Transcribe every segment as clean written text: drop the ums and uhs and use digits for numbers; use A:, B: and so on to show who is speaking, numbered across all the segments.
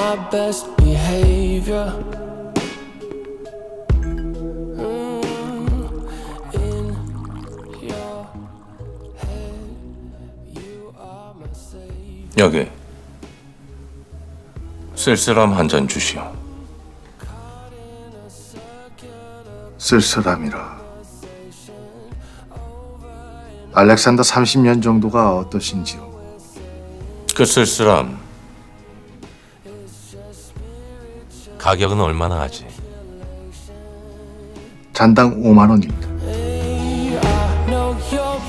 A: my best behavior. In your head, you are my savior.
B: 여기 쓸쓸함 한 잔 주시오.
C: 쓸쓸함이라. 알렉산더 30년 정도가 어떠신지요?
B: 그 쓸쓸함 가격은 얼마나 하지?
C: 잔당 5만 원입니다.
A: know you're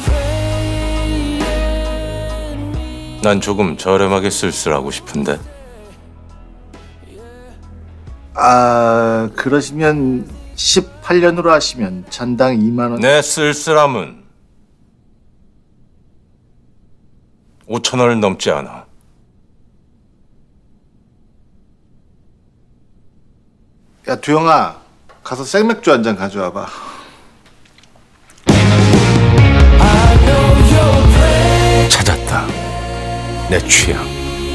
A: praying.
B: 난 조금 저렴하게 쓸쓸하고 싶은데.
C: 그러시면 18년으로 하시면 잔당 2만 원.
B: 내 쓸쓸함은 5,000원을 넘지 않아.
C: 야, 두영아, 가서 생맥주 한 잔 가져와봐.
B: 찾았다. 내 취향.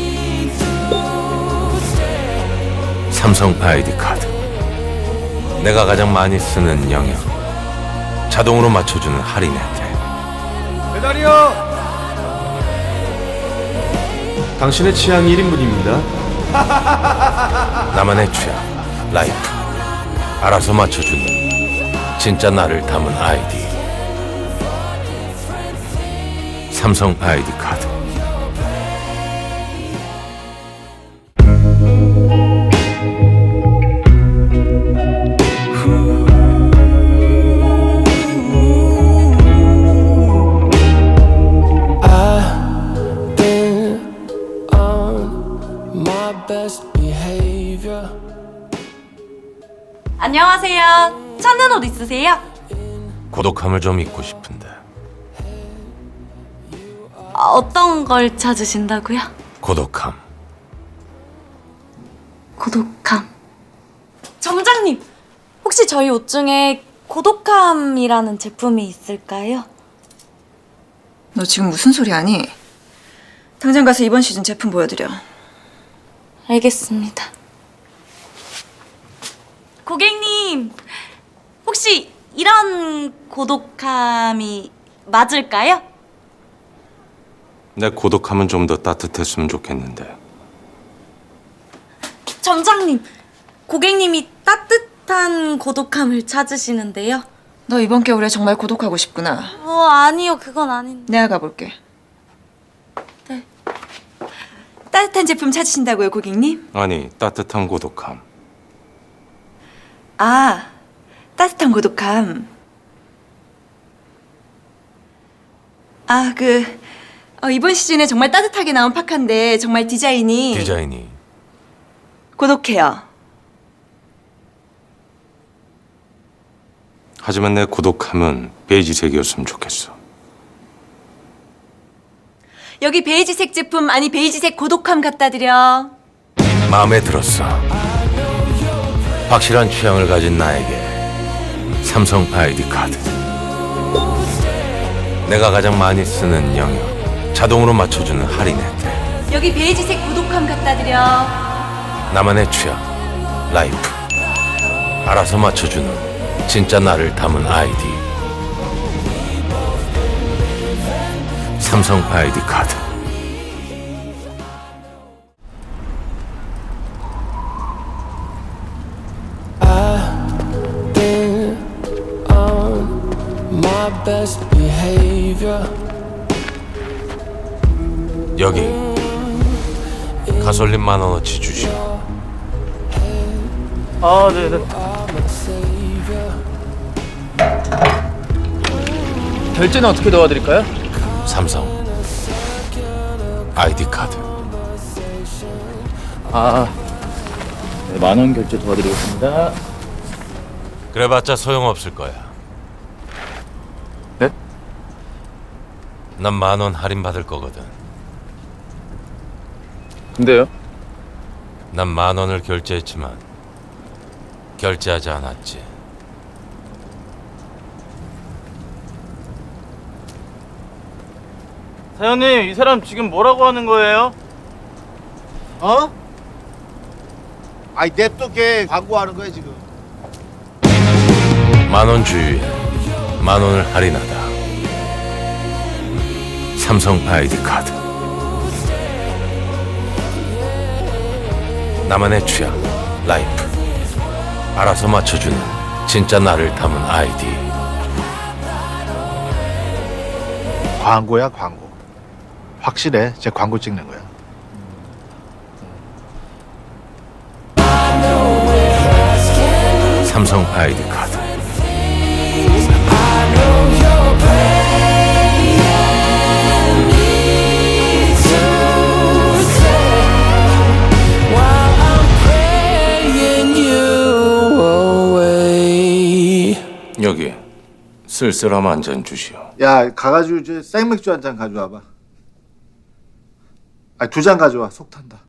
B: 삼성 아이디 카드. 내가 가장 많이 쓰는 영역. 자동으로 맞춰주는 할인 혜택.
D: 배달이요. 당신의 취향 1인분입니다.
B: 나만의 취향. 라이프. 알아서 맞춰주는 진짜 나를 담은 아이디. 삼성 아이디 카드.
A: Been on my best behavior.
E: 안녕하세요. 찾는 옷 있으세요?
B: 고독함을 좀 잊고 싶은데.
E: 어떤 걸 찾으신다고요?
B: 고독함.
E: 고독함. 점장님, 혹시 저희 옷 중에 고독함이라는 제품이 있을까요?
F: 너 지금 무슨 소리 하니? 당장 가서 이번 시즌 제품 보여드려.
E: 알겠습니다. 고객님, 혹시 이런 고독함이 맞을까요?
B: 내 고독함은 좀 더 따뜻했으면 좋겠는데.
E: 점장님, 고객님이 따뜻한 고독함을 찾으시는데요.
F: 너 이번 겨울에 정말 고독하고 싶구나.
E: 아니요, 그건 아닌데.
F: 내가 가볼게.
E: 네.
F: 따뜻한 제품 찾으신다고요, 고객님?
B: 아니, 따뜻한 고독함.
F: 아, 따뜻한 고독함. 이번 시즌에 정말 따뜻하게 나온 파카인데 정말 디자인이 고독해요.
B: 하지만 내 고독함은 베이지색이었으면 좋겠어.
F: 여기 베이지색 제품, 아니 베이지색 고독함 갖다 드려.
B: 마음에 들었어. 확실한 취향을 가진 나에게 삼성 아이디 카드. 내가 가장 많이 쓰는 영역. 자동으로 맞춰주는 할인 혜택.
F: 여기 베이지색 고독함 갖다 드려.
B: 나만의 취향. 라이프. 알아서 맞춰주는 진짜 나를 담은 아이디. 삼성 아이디 카드.
A: Been on my best behavior.
B: 여기 가솔린 10,000원어치 주시오.
D: 네네. 결제는 어떻게 도와드릴까요?
B: 삼성 아이디 카드.
D: 네, 10,000원 결제 도와드리겠습니다.
B: 그래봤자 소용없을 거야.
D: 네?
B: 난 10,000원 할인 받을 거거든.
D: 근데요?
B: 난 10,000원을 결제했지만 결제하지 않았지.
G: 사장님, 이 사람 지금 뭐라고 하는 거예요?
D: 어?
C: 아니 냅둬 걔 광고하는 거야 지금.
B: 10,000원 주유에 10,000원을 할인하다. 삼성 아이디 카드. 나만의 취향, 라이프. 알아서 맞춰주는 진짜 나를 담은 아이디.
C: 광고야 광고. 확실해. 제 광고 찍는 거야.
B: 삼성 아이디 카드.
A: praying you away.
B: 여기 쓸쓸함 한 잔 주시오.
C: 야 가가지고 이제 생맥주 한 잔 가져와봐. 아니 2잔 가져와. 속 탄다.